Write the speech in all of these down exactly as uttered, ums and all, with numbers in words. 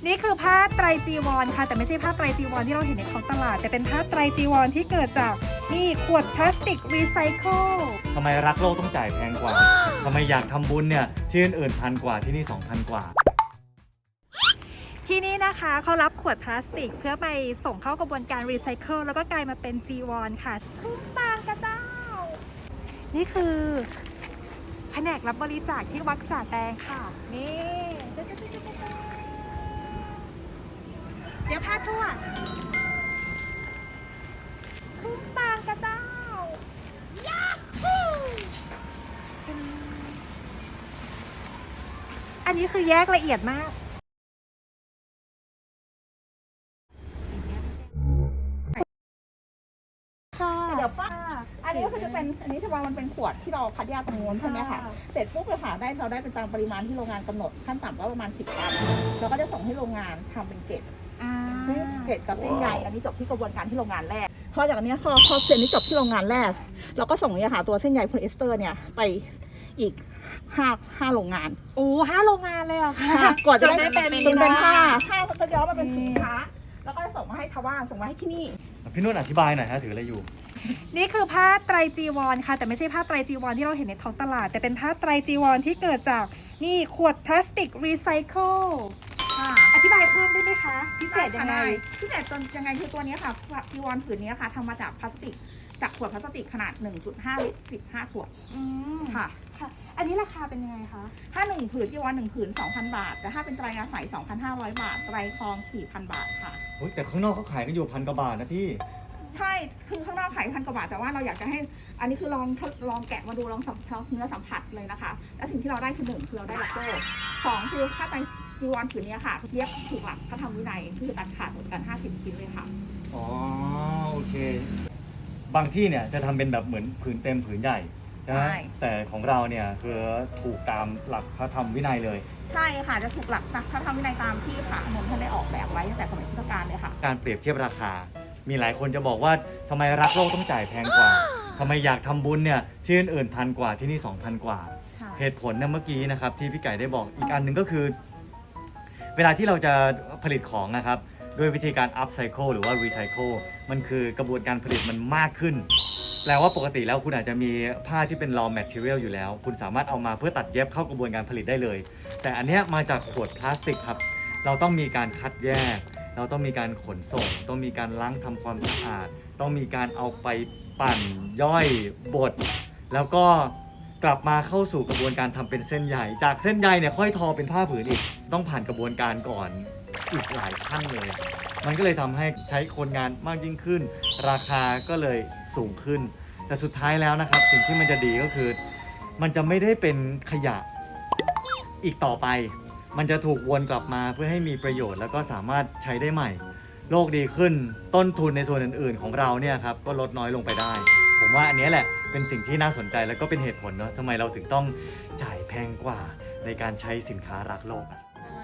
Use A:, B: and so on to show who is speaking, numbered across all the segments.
A: นี่คือผ้าไตรจีวรค่ะแต่ไม่ใช่ผ้าไตรจีวรที่เราเห็นในท้องตลาดแต่เป็นผ้าไตรจีวรที่เกิดจากนี่ขวดพลาสติกรีไซเคิล
B: ทำไมรักโลกต้องจ่ายแพงกว่าทำไมอยากทำบุญเนี่ยที่อื่นๆพันกว่าที่นี่ สองพัน กว่า
A: ที่นี่นะคะเขารับขวดพลาสติกเพื่อไปส่งเข้ากระบวนการรีไซเคิลแล้วก็กลายมาเป็นจีวรค่ะคุ้มบางกระเจ้านี่คือแผนกรับบริจาคที่วัดจ่าแตงค่ะนี่เดี๋ยวพาทั่วคุ้มบางกระเจ้ายาฮูอันนี้คือแยกละเอียดมาก
C: เดี๋ยวป้าอันนี้ก็คือจะเป็นอันนี้ที่ว่ามันเป็นขวดที่เราคัดแยกตรงนู้นใช่ไหมคะเสร็จปุ๊บเลยค่ะได้เราได้เป็นตามปริมาณที่โรงงานกำหนดขั้นต่ำก็ประมาณสิบตันเราก็จะส่งให้โรงงานทำเป็นเกรดเกรดกับเส้นใยอันนี้จบที่กระบวนการที่โรงงานแรกพอจากนี้พอพอเส้นนี้จบที่โรงงานแรกเราก็ส่งเนี่ยค่ะตัวเส้นใยโพลีเอสเตอร์เนี่ยไปอีกห้าห้าโรงงาน
A: โอ้ห้าโรงงานเลยเหรอคะ
C: ก่อนจะได้เป็นเป็นผ้าผ้าก็ย้อมมาเป็นสินค้าแล้วก็จะส่งมาให้ชาวบ้านส่งมาให้ที่นี่
B: พี่นุ่นอธิบายหน่อยฮะถืออะไรอยู่
A: นี่คือผ้าไตรจีวรค่ะแต่ไม่ใช่ผ้าไตรจีวรที่เราเห็นในท้องตลาดแต่เป็นผ้าไตรจีวรที่เกิดจากนี่ขวดพลาสติกรีไซเคิลอธิบายเพิ่มได้ไหมคะพิเศษยังไง
C: พิเศษจนยังไงคือตัวนี้ค่ะจีวรผืนนี้ค่ะทำมาจากพลาสติกจากขวดพลาสติกขนาด หนึ่งจุดห้า ลิตรสิบห้าขวด
A: ค่ะค่ะอันนี้ราคาเป็นยังไงคะ
C: ถ้าหนึ่งผืนจีวรหนึ่งผืน สองพัน บาทแต่ถ้าเป็นไตรอาศัย สองพันห้าร้อย บาทไตรทอง สี่พัน บาทค่ะ
B: โอ้ยแต่ข้างนอกเขาขายกันอยู่พันกว่าบาทนะพี่
C: ใช่คือข้างนอกขายพันกว่าบาทแต่ว่าเราอยากจะให้อันนี้คือลองลองแกะมาดูลองสัมผัสเนื้อสัมผัสเลยนะคะและสิ่งที่เราได้คือหนึ่งคือเราได้ลักโซ่สองคือค่าไตรจีวรผืนนี้ค่ะเย็บถูกหลักพระธรรมวินัยคือตัดขาดหมดกันห้าสิบชิ้นเลยค่ะ
B: อ๋อโอเคบางที่เนี่ยจะทำเป็นแบบเหมือนผืนเต็มผืนใหญ่นะแต่ของเราเนี่ยคือถูกตามหลักพระธรรมวินัยเลย
C: ใช่ค่ะจะถูกหลักพระธรรมวินัยตามที่พระอานนท์ท่านได้ออกแบบไว้ตั้งแต่สมัยพุทธกาลเลยค่ะ
B: การเปรียบเทียบราคามีหลายคนจะบอกว่าทำไมรักโลกต้องจ่ายแพงกว่าทำไมอยากทำบุญเนี่ยที่อื่นๆพันกว่าที่นี่ สองพัน กว่าเหตุผลเนี่ยเมื่อกี้นะครับที่พี่ไก่ได้บอกอีกอันหนึ่งก็คือเวลาที่เราจะผลิตของนะครับด้วยวิธีการ upcycle หรือว่า recycle มันคือกระบวนการผลิตมันมากขึ้นแปลว่าปกติแล้วคุณอาจจะมีผ้าที่เป็น raw material อยู่แล้วคุณสามารถเอามาเพื่อตัดเย็บเข้ากระบวนการผลิตได้เลยแต่อันนี้มาจากขวดพลาสติกครับเราต้องมีการคัดแยกเราต้องมีการขนส่งต้องมีการล้างทำความสะอาดต้องมีการเอาไปปั่นย่อยบดแล้วก็กลับมาเข้าสู่กระบวนการทำเป็นเส้นใยจากเส้นใยเนี่ยค่อยทอเป็นผ้าผืนอีกต้องผ่านกระบวนการก่อนอีกหลายขั้นเลยมันก็เลยทำให้ใช้คนงานมากยิ่งขึ้นราคาก็เลยสูงขึ้นแต่สุดท้ายแล้วนะครับสิ่งที่มันจะดีก็คือมันจะไม่ได้เป็นขยะอีกต่อไปมันจะถูกวนกลับมาเพื่อให้มีประโยชน์แล้วก็สามารถใช้ได้ใหม่โลกดีขึ้นต้นทุนในส่วนอื่นๆของเราเนี่ยครับก็ลดน้อยลงไปได้ผมว่าอันนี้แหละเป็นสิ่งที่น่าสนใจแล้วก็เป็นเหตุผลเนาะทำไมเราถึงต้องจ่ายแพงกว่าในการใช้สินค้ารักโลกอ่ะ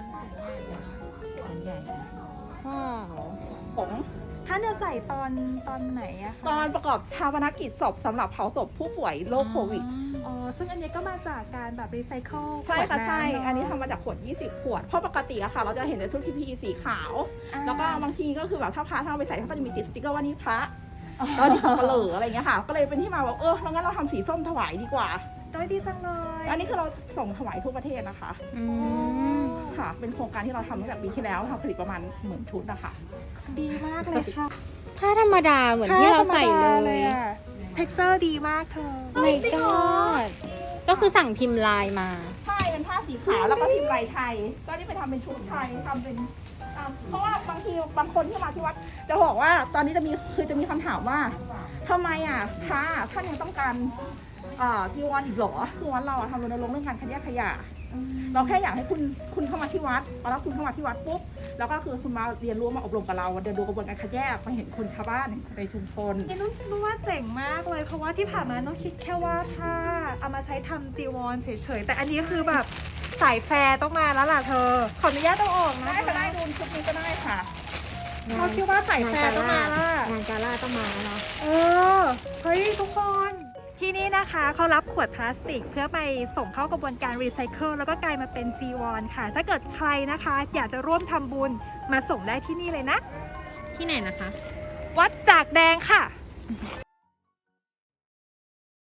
C: ใหญ่ว้าวผม
A: ท่านจะใส่ตอนตอนไหนอะคะ
C: ตอนประกอบชาปนกิจศพสำหรับเผาศพผู้ป่วยโรคโควิด
A: อ๋อซึ่งอันนี้ก็มาจากการแบบรีไซเคิล
C: ใช่ค่ะใช่อันนี้ทำมาจากขวดยี่สิบขวดเพราะปกติอะค่ะเราจะเห็นในชุด พี พี อี สีขาวแล้วก็บางทีก็คือแบบถ้าพระท่านเอาไปใส่ท่านก็จะมีติดสติ๊กเกอร์ว่านี่พระแล้วนี่สับปะเหร่ออะไรเงี้ยค่ะก็เลยเป็นที่มาว่าเอองั้นเราทำสีส้มถวายดีกว่า
A: โดยดีจังเลย
C: อันนี้คือเราส่งถวายทั่วประเทศนะคะค่ะเป็นโครงการที่เราทำตั้งแต่ปีที่แล้วทำผลิตประมาณหมื่นชุดนะคะ
A: ดีมากเลยค่ะ
D: ผ้าธรรมดาเหมือนที่เราใส่เลย
A: เท็กเจอร์ดีมากเธอ
D: ไม่ก็ก็คือสั่งพิมพ์ลายมา
C: ใช่เป็นผ้าสีขาวแล้วก็พิมพ์ลายไทยก็นี่ไปทำเป็นชุดไทยทำเป็นเพราะว่าบางทีบางคนที่มาที่วัดจะบอกว่าตอนนี้จะมีคือจะมีคำถามว่าทำไมอ่ะพระท่านยังต้องการจีวรอีกเหรอคือวัดเราทำรณรงค์เรื่องการคัดแยกขยะเราแค่อยากให้คุณคุณเข้ามาที่วัดพอแล้วคุณเข้ามาที่วัดปุ๊บแล้วก็คือคุณมาเรียนรู้มาอบรมกับเราเรียนรู้กระบวนการคัดแยกมาเห็นคนชาวบ้านในชุมชน
A: นี่นุ่นคิดว่าเจ๋งมากเลยเพราะว่าที่ผ่านมานุ่นคิดแค่ว่าถ้าเอามาใช้ทำจีวรเฉยๆแต่อันนี้คือแบบสายแฟร์ต้องมาแล้วล่ะเธอขออนุญาตต้องออกนะ
C: ได้ค่ะได้ดูชุดนี้ก็ได้ค่ะ
A: เราคิดว่าสายแฟร์ต้องมาละ
D: งานกาล่าต้องมาแล้ว
A: เออเฮ้ยทุกคนทที่นี่นะคะเขารับขวดพลาสติกเพื่อไปส่งเข้ากระบวนการรีไซเคิลแล้วก็กลายมาเป็นจีวรค่ะถ้าเกิดใครนะคะอยากจะร่วมทำบุญมาส่งได้ที่นี่เลยนะ
D: ที่ไหนนะคะ
A: วัดจากแดงค่ะ